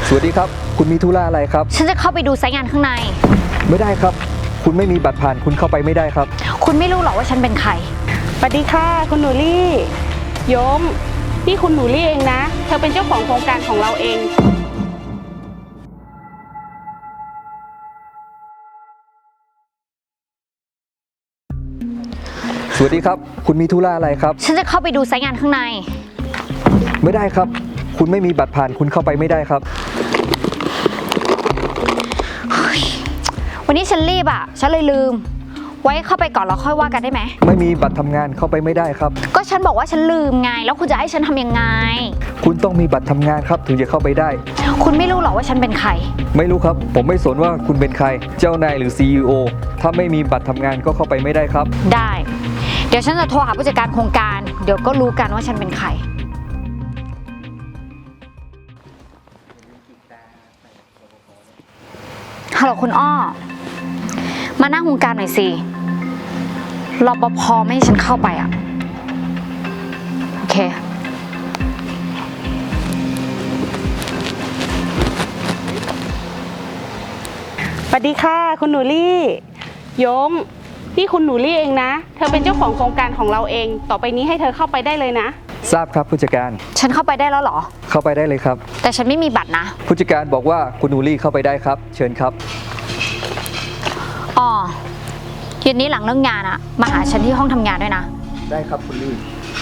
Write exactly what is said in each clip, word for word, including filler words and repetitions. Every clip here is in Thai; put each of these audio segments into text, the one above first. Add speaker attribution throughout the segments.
Speaker 1: สวัสดีครับคุณมีธุระอะไรครับ
Speaker 2: ฉันจะเข้าไปดูไซต์งานข้างใน
Speaker 1: ไม่ได้ครับคุณไม่มีบัตรผ่านคุณเข้าไปไม่ได้ครับ
Speaker 2: คุณไม่รู้หรอกว่าฉันเป็นใคร
Speaker 3: สวัสดีค่ะคุณหนูลี่โยมนี่คุณหนูลี่เองนะเธอเป็นเจ้าของโครงการของเราเอง
Speaker 1: สวัสดีครับคุณมีธุระอะไรครับ
Speaker 2: ฉันจะเข้าไปดูไซต์งานข้างใน
Speaker 1: ไม่ได้ครับคุณไม่มีบัตรผ่านคุณเข้าไปไม่ได้ครับ
Speaker 2: วันนี้ฉันรีบอ่ะฉันเลยลืมไว้เข้าไปก่อนแล้วค่อยว่ากันได้ไหม
Speaker 1: ไม่มีบัตรทำงานเข้าไปไม่ได้ครับ
Speaker 2: ก็ฉันบอกว่าฉันลืมไงแล้วคุณจะให้ฉันทำยังไง
Speaker 1: คุณต้องมีบัตรทำงานครับถึงจะเข้าไปได้
Speaker 2: คุณไม่รู้หรอกว่าฉันเป็นใคร
Speaker 1: ไม่รู้ครับผมไม่สนว่าคุณเป็นใครเจ้านายหรือ ซี อี โอ ถ้าไม่มีบัตรทำงานก็เข้าไปไม่ได้ครับ
Speaker 2: ได้เดี๋ยวฉันจะโทรหาผู้จัดการโครงการเดี๋ยวก็รู้กันว่าฉันเป็นใครฮัลโหลคุณอ้อมานั่งโครงการหน่อยสิรปภไม่ให้ฉันเข้าไปอ่ะโอเค
Speaker 3: สวัสดีค่ะคุณหนูลี่โยมนี่คุณหนูลี่เองนะเธอเป็นเจ้าของโครงการของเราเองต่อไปนี้ให้เธอเข้าไปได้เลยนะ
Speaker 1: ทราบครับผู้จัดการ
Speaker 2: ฉันเข้าไปได้แล้วเหรอ
Speaker 1: เข้าไปได้เลยครับ
Speaker 2: แต่ฉันไม่มีบัตรนะ
Speaker 1: ผู้จัดการบอกว่าคุณนูรี่เข้าไปได้ครับเชิญครับ
Speaker 2: อ๋อเย็นนี้หลังเลิกงานอะมาหาฉันที่ห้องทำงานด้วยนะ
Speaker 1: ได้ครับคุณลี่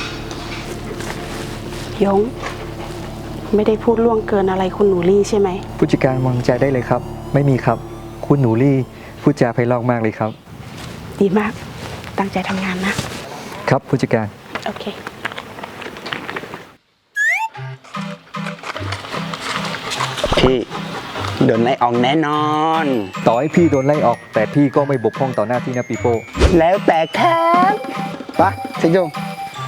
Speaker 3: ยงไม่ได้พูดล่วงเกินอะไรคุณหนูลี่ใช่ไหม
Speaker 1: ผู้จัดการวางใจได้เลยครับไม่มีครับคุณหนูลี่พูดจาไพเราะมากเลยครับ
Speaker 3: ดีมากตั้งใจทำงานนะครับ
Speaker 1: ผู้จัดการ
Speaker 3: โอเค
Speaker 4: พี่โดนไล่ออกแน่นอน
Speaker 1: ต่อให้พี่โดนไล่ออกแต่พี่ก็ไม่บกพร่องต่อหน้าที่นะปีโป้
Speaker 4: แล้วแต่ครับปะเซ็งจง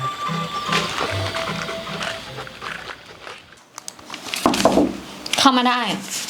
Speaker 2: เข้ามาได้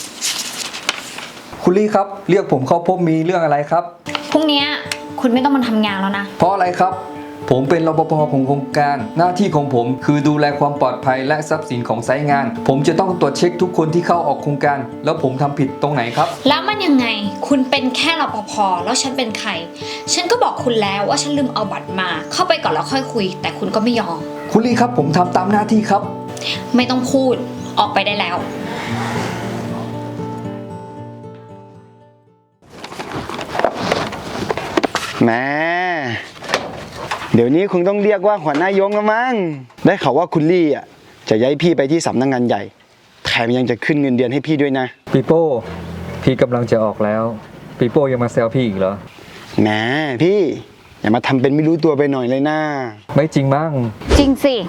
Speaker 1: คุณลี่ครับเรียกผมเข้าพบมีเรื่องอะไรครับ
Speaker 2: พรุ่งนี้คุณไม่ต้องมาทำงานแล้วนะ
Speaker 1: เพราะอะไรครับผมเป็นรปภของโครงการหน้าที่ของผมคือดูแลความปลอดภัยและทรัพย์สินของไซต์งานผมจะต้องตรวจเช็คทุกคนที่เข้าออกโครงการแล้วผมทำผิดตรงไหนครับ
Speaker 2: แล้วมันยังไงคุณเป็นแค่รปภแล้วฉันเป็นใครฉันก็บอกคุณแล้วว่าฉันลืมเอาบัตรมาเข้าไปก่อนแล้วค่อยคุยแต่คุณก็ไม่ยอม
Speaker 1: คุณลี่ครับผมทำตามหน้าที่ครับ
Speaker 2: ไม่ต้องพูดออกไปได้แล้ว
Speaker 4: แม่เดี๋ยวนี้คงต้องเรียกว่าหัวหน้ายงแล้วมั้งได้ข่าวว่าคุณลี่อ่ะจะย้ายพี่ไปที่สำนักงานใหญ่แถมยังจะขึ้นเงินเดือนให้พี่ด้วยนะ
Speaker 1: ปีโป้พี่กำลังจะออกแล้วปีโป้ยังมาแซวพี่อีกเหรอ
Speaker 4: แหมพี่อย่ามาทำเป็นไม่รู้ตัวไปหน่อยเลยนะ
Speaker 1: ไม่จริงมั้ง
Speaker 2: จริงสิ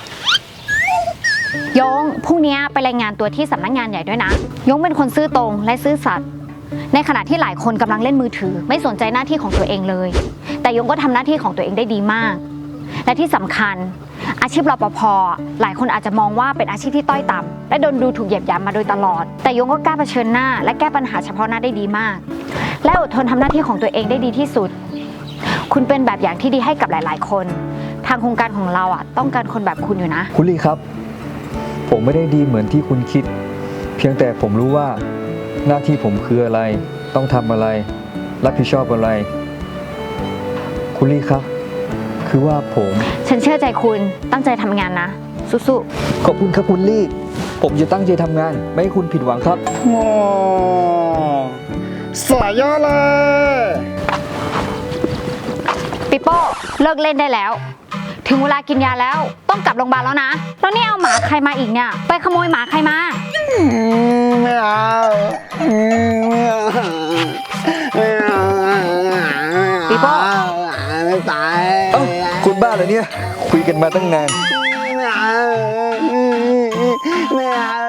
Speaker 2: ยงพรุ่งนี้ไปรายงานตัวที่สำนักงานใหญ่ด้วยนะยงเป็นคนซื่อตรงและซื่อสัตย์ในขณะที่หลายคนกำลังเล่นมือถือไม่สนใจหน้าที่ของตัวเองเลยแต่ยงก็ทำหน้าที่ของตัวเองได้ดีมากและที่สำคัญอาชีพรปภหลายคนอาจจะมองว่าเป็นอาชีพที่ต้อยต่ำและโดนดูถูกเหยียดหยามมาโดยตลอดแต่ยงก็กล้าเผชิญหน้าและแก้ปัญหาเฉพาะหน้าได้ดีมากและอดทนทำหน้าที่ของตัวเองได้ดีที่สุดคุณเป็นแบบอย่างที่ดีให้กับหลายๆคนทางโครงการของเราอ่ะต้องการคนแบบคุณอยู่นะ
Speaker 1: คุณลี่ครับผมไม่ได้ดีเหมือนที่คุณคิดเพียงแต่ผมรู้ว่าหน้าที่ผมคืออะไรต้องทำอะไรรับผิดชอบอะไรคุณลี่ครับคือว่าผม
Speaker 2: ฉันเชื่อใจคุณตั้งใจทำงานนะสู้
Speaker 1: ๆขอบคุณครับคุณลี่ผมจะตั้งใจทำงานไม่ให้คุณผิดหวังครับ
Speaker 4: โอ้สวยยอดเลย
Speaker 2: ปิโป้เลิกเล่นได้แล้วถึงเวลากินยาแล้วต้องกลับโรงพยาบาลแล้วนะแล้วนี่เอาหมาใครมาอีกเนี่ยไปขโมยหมาใครมา
Speaker 4: ไม่เอาไม่เอา
Speaker 2: ปีโป้
Speaker 4: ไม่ไป
Speaker 1: เอ้าคุณบ้าเหรอเนี่ยคุยกันมาตั้งนาน
Speaker 4: ไม่เอาไม่เอา